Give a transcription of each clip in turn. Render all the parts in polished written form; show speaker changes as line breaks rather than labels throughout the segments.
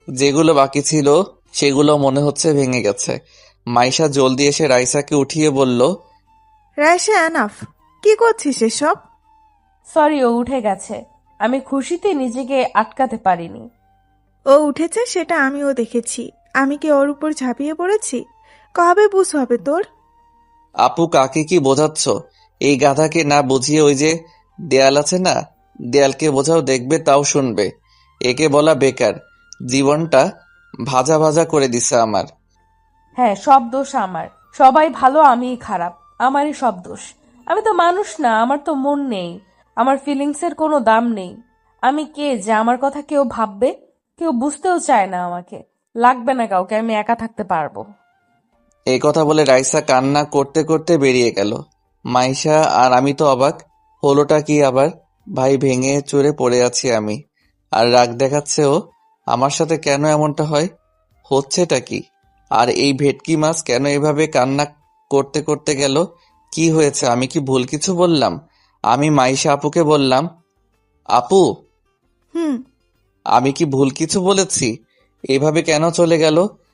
যেগুলো বাকি ছিল সেগুলো মনে হচ্ছে ভেঙে গেছে। মাইশা জলদি এসে রাইসাকে উঠিয়ে বলল,
রাইসা এনাফ, কি করছিস এসব?
সরি, ও উঠে গেছে। আমি খুশিতে নিজেকে আটকাতে পারিনি।
ও উঠেছে সেটা আমিও দেখেছি। আমি কি ওর উপর ঝাঁপিয়ে পড়েছি? কবে বুঝ হবে তোর?
আপু কাকে কি বোঝাচ্ছ? এই গাধাকে না বুঝিয়ে ওই যে দেয়াল আছে না, দেয়ালকে বোঝাও, দেখবে তাও শুনবে। একে বলা বেকার, জীবনটা ভাজা ভাজা করে দিছে আমার।
হ্যাঁ, সব দোষ আমার। সবাই ভালো, আমিই খারাপ। আমারই সব দোষ। আমি তো মানুষ না, আমার তো মন নেই। আমার ফিলিংসের কোনো দাম নেই। আমি কে যে আমার কথা কেউ ভাববে? কেউ বুঝতেও চায় না আমাকে। লাগবে না কাউকে, আমি একা থাকতে পারবো।
এই কথা বলে রাইসা কান্না করতে করতে বেরিয়ে গেল। মাইশা আর আমি তো অবাক, হলোটা কি আবার? ভাই ভেঙে চুরে পড়ে আছি আমি, আর রাগ দেখাচ্ছে ও। আমার সাথে কেন এমনটা হয়? হচ্ছেটা কি? আর এই ভেটকি মাছ কেন এভাবে কান্না করতে করতে গেল? কি হয়েছে? আমি কি ভুল কিছু বললাম? আমি মাইশা আপুকে বললাম, আপু,
হুম।
আমি কি ভুল কিছু বলেছি? এভাবে কেন চলে গেল?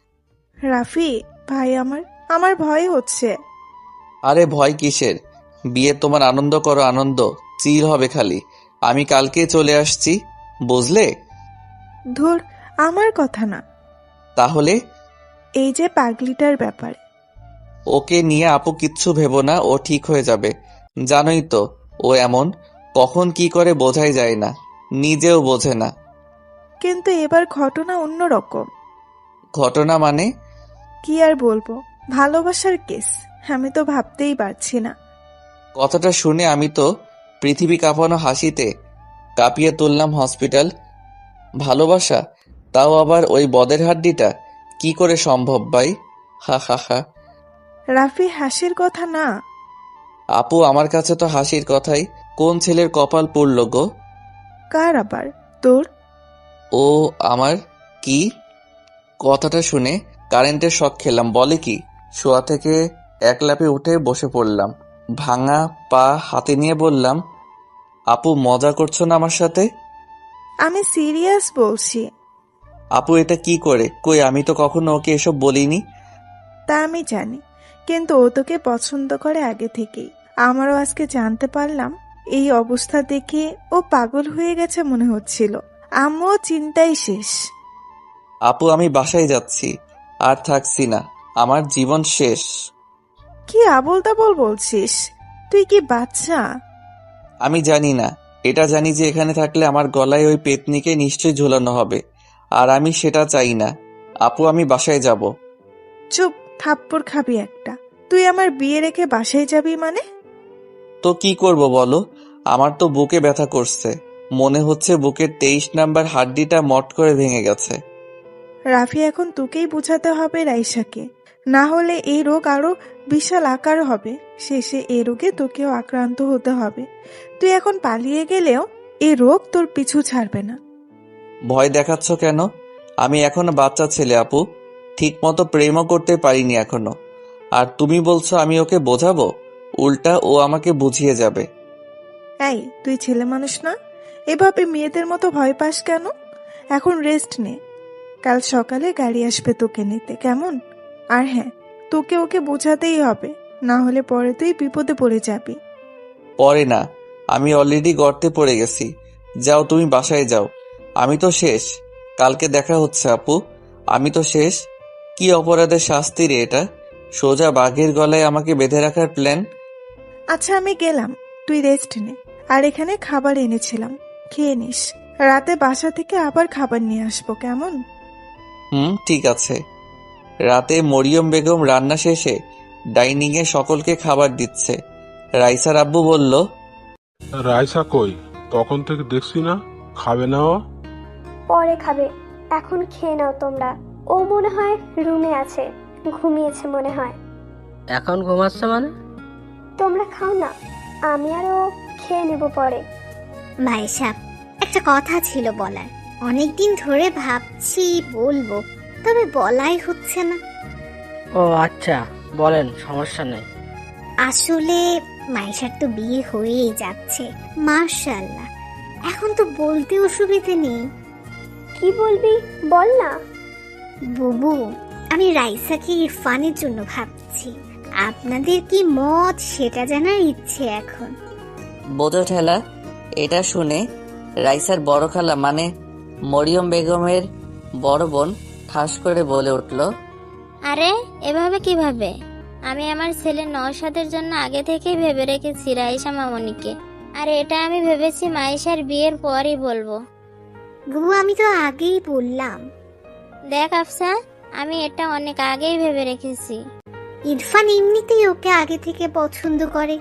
রাফি ভাই, আমার আমার ভয় হচ্ছে।
আরে ভয় কিসের? বিয়ে তোমার আনন্দ করো, আনন্দ চিল হবে খালি। আমি কালকেই চলে আসছি, বুঝলে?
ধুর, আমার কথা না।
তাহলে?
এই যে পাগলিটার ব্যাপারে।
ওকে নিয়ে আপু কিচ্ছু ভেবো না, ও ঠিক হয়ে যাবে। জানোই তো ও এমন, কখন কি করে বোঝাই যায় না, নিজেও বোঝে না।
কিন্তু এবার ঘটনা অন্যরকম।
ঘটনা মানে?
কি আর বলবো, ভালোবাসার কেস। আমি তো ভাবতেই পারছি না।
কথাটা শুনে আমি তো পৃথিবী কাঁপানো হাসিতে কাঁপিয়ে তুললাম হসপিটাল। ভালোবাসা, তাও আবার ওই বদের হাড্ডিটা, কি করে সম্ভব ভাই? হা হা হা।
রাফি, হাসির কথা না।
আপু আমার কাছে তো হাসির কথাই। কোন ছেলের কপাল পুড়ল গো?
কার আবার? তোর?
ও আমার? কি? কথাটা শুনে কারেন্টের শক খেলাম। বলে কি? শোয়া থেকে এক লাফে উঠে বসে পড়লাম, ভাঙা পা হাতে নিয়ে বললাম, আপু মজা করছো না আমার সাথে?
আমি সিরিয়াস বলছি।
আপু এটা কি করে? কই, আমি তো কখনো ওকে এসব বলিনি।
তা আমি জানি, কিন্তু ও তোকে পছন্দ করে আগে থেকেই। আমারও আজকে জানতে পারলাম। এই অবস্থা দেখে ও পাগল হয়ে গেছে মনে হচ্ছিল। আমিও চিন্তাই শেষ।
আপু আমি বাসায় যাচ্ছি, আর থাকছি না, আমার জীবন শেষ।
কি আবোল তাবোল বলছিস? তুই কি বাচ্চা?
আমি জানি না, এটা জানি যে এখানে থাকলে আমার গলায় ওই পেতনিকে নিশ্চয়ই ঝুলানো হবে, আর আমি সেটা চাই না। আপু আমি বাসায় যাব।
চুপ, থাপ্পড় খাবি একটা। তুই আমার বিয়ে রেখে বাসায় যাবি মানে?
তো কি করব বলো? আমার তো বুকে ব্যথা করছে, মনে হচ্ছে বুকের 23 নাম্বার হাড্ডিটা মট করে ভেঙে গেছে।
রাফি, এখন তোকেই বুঝাতে হবে রাইসাকে। না হলে এই রোগ আরো বিশাল আকার হবে। শেষে এই রোগে তোকেও আক্রান্ত হতে হবে। তুই এখন পালিয়ে গেলেও এই রোগ তোর পিছু ছাড়বে না।
ভয় দেখাচ্ছ কেন? আমি এখনো বাচ্চা ছেলে আপু, ঠিক মতো প্রেমও করতে পারিনি এখনো। আর তুমি বলছো আমি ওকে বোঝাবো? উল্টা ও আমাকে বুঝিয়ে যাবে।
এই, তুই ছেলে মানুষ না? এভাবে মেয়েদের মতো ভয় পাস কেন? এখন রেস্ট নে। কাল সকালে গাড়ি আসবে তোকে নিতে, কেমন? আর হ্যাঁ, তোকে ওকে বোঝাতেই হবে, না হলে পরে তুই বিপদে পড়ে যাবি।
পরে না, আমি অলরেডি গর্তে পড়ে গেছি। যাও তুমি বাসায় যাও, আমি তো শেষ। কালকে দেখা হচ্ছে আপু, আমি তো শেষ। কি অপরাধের শাস্তি রে এটা? সোজা বাঘের গলায় আমাকে বেঁধে রাখার প্ল্যান।
আচ্ছা, আমি গেলাম। তুই রেস্ট নে। আর এখানে খাবার এনেছিলাম, খেয়ে নিস। রাতে বাসা থেকে আবার খাবার নিয়ে আসবো, কেমন?
ঠিক আছে। রাতে মরিয়ম বেগম রান্না শেষে ডাইনিংয়ে সকলকে খাবার দিচ্ছে। রাইসার আব্বু বলল,
রাইসা কই? তখন থেকে দেখছি না, খাবে না ও?
পরে খাবে, এখন খেয়ে নাও তোমরা। ও মনে হয় রুমে আছে, ঘুমিয়েছে মনে হয়।
এখন ঘুমাচ্ছে মানে?
তোমরা খাও না, আমি আর ও খেয়ে নেব পরে।
ভাইসাব, একটা কথা ছিল বলার। অনেকদিন ধরে ভাবছি বলবো, তবে বলাই হচ্ছে না।
ও আচ্ছা, বলেন, সমস্যা নেই।
আসলে মাইশার তো বিয়ে হয়েই যাচ্ছে, মাশাআল্লাহ। এখন তো বলতে অসুবিধে নেই।
কি বলবি বল না।
বুবু, আমি রাইসাকে ইরফানের জন্য ভাবছি। আপনাদের কি মত সেটা জানার ইচ্ছে এখন।
বোঝো ঠেলা। এটা শুনে রাইসার বড় খালা মানে মরিয়ম বেগমের বড় বোন ঠাস করে বলে উঠল,
আরে এভাবে কিভাবে? আমি আমার ছেলে নওশাদের জন্য আগে থেকেই ভেবে রেখেছি রাইসা মামনিকে। আর এটা আমি ভেবেছি মাইশার বিয়ের পরই বলবো।
বুবু, আমি তো আগেই বললাম।
দেখ আফসা, আমি এটা অনেক আগেই ভেবে রেখেছি।
ইরফান এমনিতেই ওকে আগে থেকে পছন্দ করে।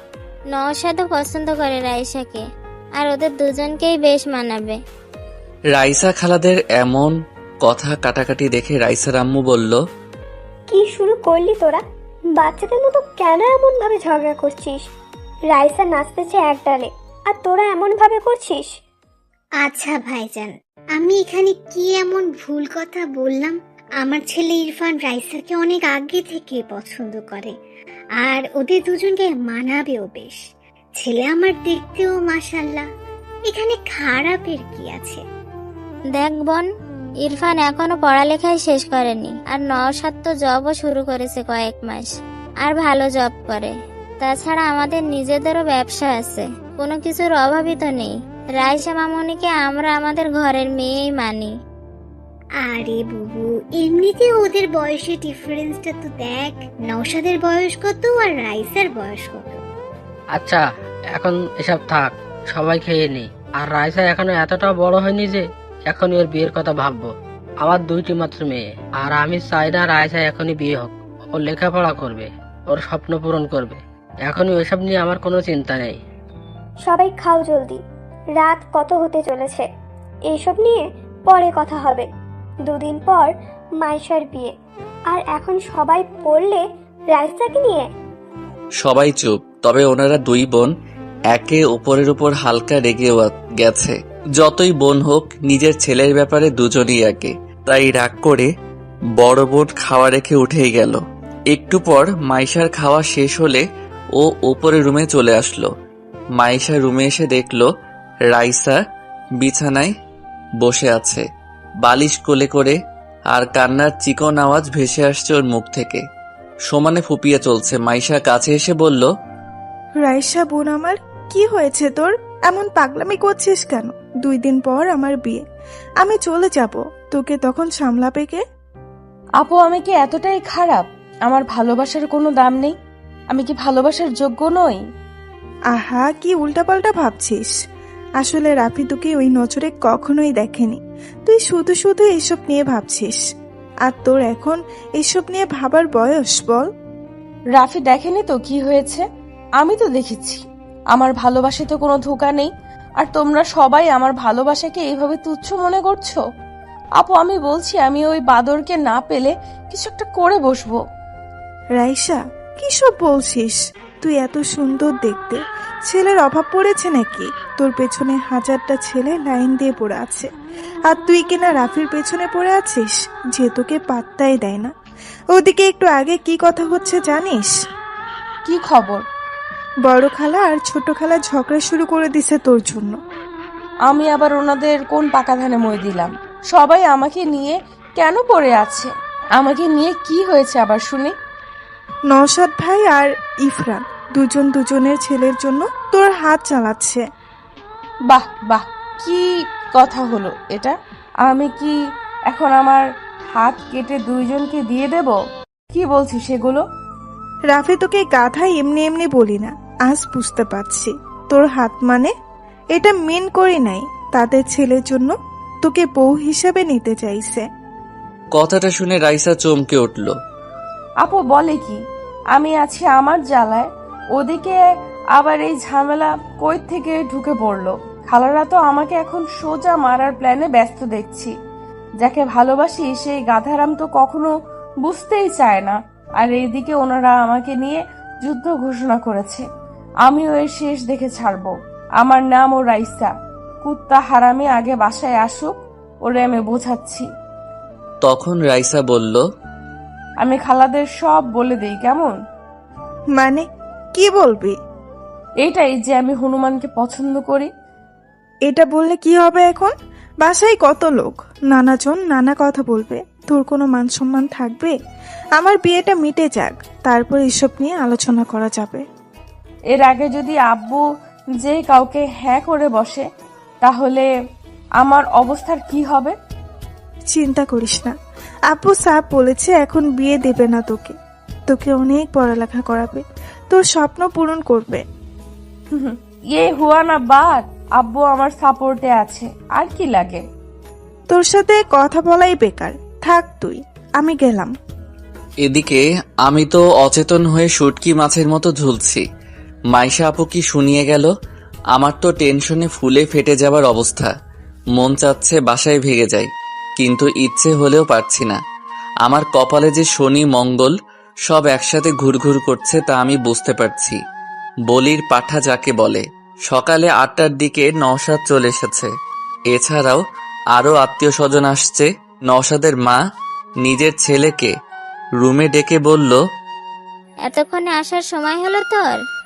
নওশাদও পছন্দ করে রাইসাকে, আর ওদের দুজনকেই বেশ মানাবে।
রাইসা খালাদের এমন কথা কাটাকাটি দেখে রাইসার আম্মু বলল,
কি শুরু করলি তোরা? বাচ্চাদের মতো কেন এমন ভাবে ঝগড়া করছিস? রাইসা নাচতেছে এক ডালে, আর তোরা এমন ভাবে করছিস?
আচ্ছা ভাইজান, আমি এখানে কি এমন ভুল কথা বললাম? আমার ছেলে ইরফান রাইসাকে অনেক আগে থেকে পছন্দ করে, আর ওদের দুজনকে মানাবেও বেশ। ছেলে আমার দেখতেও মাশাল্লাহ, এখানে খারাপের কি আছে?
দেখ বোন, ইরফান এখনো পড়ালেখাই শেষ করেনি, আর নওশাদ তো জবও শুরু করেছে কয়েক মাস, আর ভালো জব করে। তাছাড়া আমাদের নিজেদেরও ব্যবসা আছে, কোনো কিছুর অভাবই তো নেই। রাইসা মামনিকে আমরা আমাদের ঘরের মেয়েই মানি।
আরে বুবু, এমনিতে ওদের বয়সের ডিফারেন্সটা তো দেখ। নওশাদের বয়স কত আর রাইসার বয়স কত?
আচ্ছা, এখন এসব থাক, সবাই খেয়ে নি। আর রাইসা এখনো এতটা বড় হয়নি যে এখন ওর বিয়ের কথা ভাববো। আমার দুইটি মাত্র মেয়ে, আর আমি চাই না রাইসা এখনই বিয়ে হোক। ও লেখাপড়া করবে, ওর স্বপ্ন পূরণ করবে। এখনই ওইসব নিয়ে আমার কোনো চিন্তা নেই।
সবাই খাও জলদি, রাত কত হতে চলেছে। এইসব নিয়ে পরে কথা হবে। দুদিন পর মাইশার বিয়ে, আর এখন সবাই পড়লে রাইসাকে নিয়ে।
সবাই চুপ। তবে ওনারা দুই বোন একে অপরের উপর হালকা রেগে গেছে। যতই বোন হোক, নিজের ছেলের ব্যাপারে দুজনই একে। তাই রাগ করে বড় বোন খাওয়া রেখে উঠেই গেল। একটু পর মাইশার খাওয়া শেষ হলে ও ওপরে রুমে চলে আসলো। মাইশা রুমে এসে দেখলো রাইসা বিছানায় বসে আছে, বালিশ কোলে করে, আর কান্নার চিকন আওয়াজ ভেসে আসছে ওর মুখ থেকে। সমানে ফুপিয়ে চলছে। মাইশা কাছে এসে বলল,
রাইসা বোন আমার, কি হয়েছে তোর? এমন পাগলামি করছিস কেন? 2 দিন পর আমার বিয়ে, আমি চলে যাব, তোকে তখন সামলাবে কে?
আপু, আমি কি এতটাই খারাপ? আমার ভালোবাসার কোনো দাম নেই? আমি কি ভালোবাসার যোগ্য নই?
আহা, কি উল্টাপাল্টা ভাবছিস। আসলে রাফি তোকে ওই নজরে কখনোই দেখেনি। তুই শুধু শুধু এসব নিয়ে ভাবছিস। আর তোর এখন এসব নিয়ে ভাবার বয়স বল?
রাফি দেখেনি তো কি হয়েছে? আমি তো দেখেছি। আমার ভালোবাসায় তো কোনো ধোঁকা নেই, আর তোমরা সবাই আমার ভালোবাসাকে এইভাবে তুচ্ছ মনে করছো। আপু, আমি বলছি, আমি ওই বাদরকে না পেলে কিছু একটা করে বসবো।
রাইসা, কি সব বলছিস? তুই এত সুন্দর দেখতে, ছেলের অভাব পড়েছে নাকি? তোর পেছনে 1000টা ছেলে লাইন দিয়ে পড়ে আছে, আর তুই কিনা রাফির পেছনে পড়ে আছিস, যে তোকে পাত্তাই দেয় না। ওদিকে একটু আগে কি কথা হচ্ছে জানিস?
কি খবর?
বড় খালা আর ছোট খালা ঝগড়া শুরু করে দিছে তোর জন্য।
আমি আবার ওনাদের কোন পাকা ধানে মই দিলাম? সবাই আমাকে নিয়ে কেন পড়ে আছে? আমাকে নিয়ে কি হয়েছে আবার শুনি?
নওশাদ ভাই আর ইফরান দুজন দুজনের ছেলের জন্য তোর হাত চালাচ্ছে।
বাহ বাহ, কি কথা হলো এটা? আমি কি এখন আমার হাত কেটে দুইজনকে দিয়ে দেব? কি বলছিস সেগুলো?
রাফি, তোকে গাধা এমনি এমনি বলি না, আজ বুঝতে পারছি। তোর হাত মানে এটা মেন করি নাই, তাদের ছেলের জন্য তোকে বউ হিসাবে নিতে চাইছে।
কথাটা শুনে রাইসা চমকে উঠল।
আপু বলে কি? আমি আছি আমার জ্বালায়, ওদিকে আবার এই ঝামেলা কই থেকে ঢুকে পড়লো। খালারা তো আমাকে এখন সোজা মারার প্ল্যানে ব্যস্ত দেখছি। যাকে ভালোবাসি সেই গাধারাম তো কখনো বুঝতেই চায় না। আর এইদিকে ওনারা আমাকে নিয়ে যুদ্ধ ঘোষণা করেছে। আমিও এর শেষ দেখে ছাড়বো। আমার নামও রাইসা। কুত্তা হারামি আগে বাসায় আসুক, ওরে আমি বোঝাচ্ছি।
তখন রাইসা বলল,
আমি খালাদের সব বলে দেই, কেমন?
মানে কি বলবি?
এইটাই যে আমি হনুমানকে পছন্দ করি।
এটা বললে কি হবে এখন? বাসায় কত লোক, নানাজন নানা কথা বলবে। তোর কোনো মান সম্মান থাকবে? আমার বিয়েটা মিটে যাক, তারপর এসব নিয়ে আলোচনা করা যাবে।
এর আগে যদি আব্বু যে কাউকে হ্যাঁ করে বসে, তাহলে আমার অবস্থার কি হবে?
চিন্তা করিস না, আপু সাহেব বলেছে এখন বিয়ে দেবে না তোকে, তোকে অনেক পড়ালেখা করাবে, তোর স্বপ্ন পূরণ করবে।
ইয়ে হুয়া না বাত, আব্বু আমার সাপোর্টে আছে, আর কি লাগে?
তোর সাথে কথা বলাই বেকার, থাক তুই, আমি গেলাম।
এদিকে আমি তো অচেতন হয়ে শুটকি মাছের মতো ঝুলছি। মাইশা আপু কি শুনিয়ে গেল? আমার তো টেনশনে ফুলে ফেটে যাবার অবস্থা। মন চাচ্ছে বাসায় ভেগে যাই, কিন্তু ইচ্ছে হলেও পারছি না। আমার কপালে যে শনি মঙ্গল সব একসাথে ঘুরঘুর করছে তা আমি বুঝতে পারছি। বলির পাঠা যাকে বলে। সকালে 8টার দিকে নওশাদ চলে এসেছে। এছাড়াও আরো আত্মীয় স্বজন আসছে। নওশাদের মা নিজের ছেলেকে রুমে ডেকে বলল,
এতক্ষণে আসার সময় হলো তোর?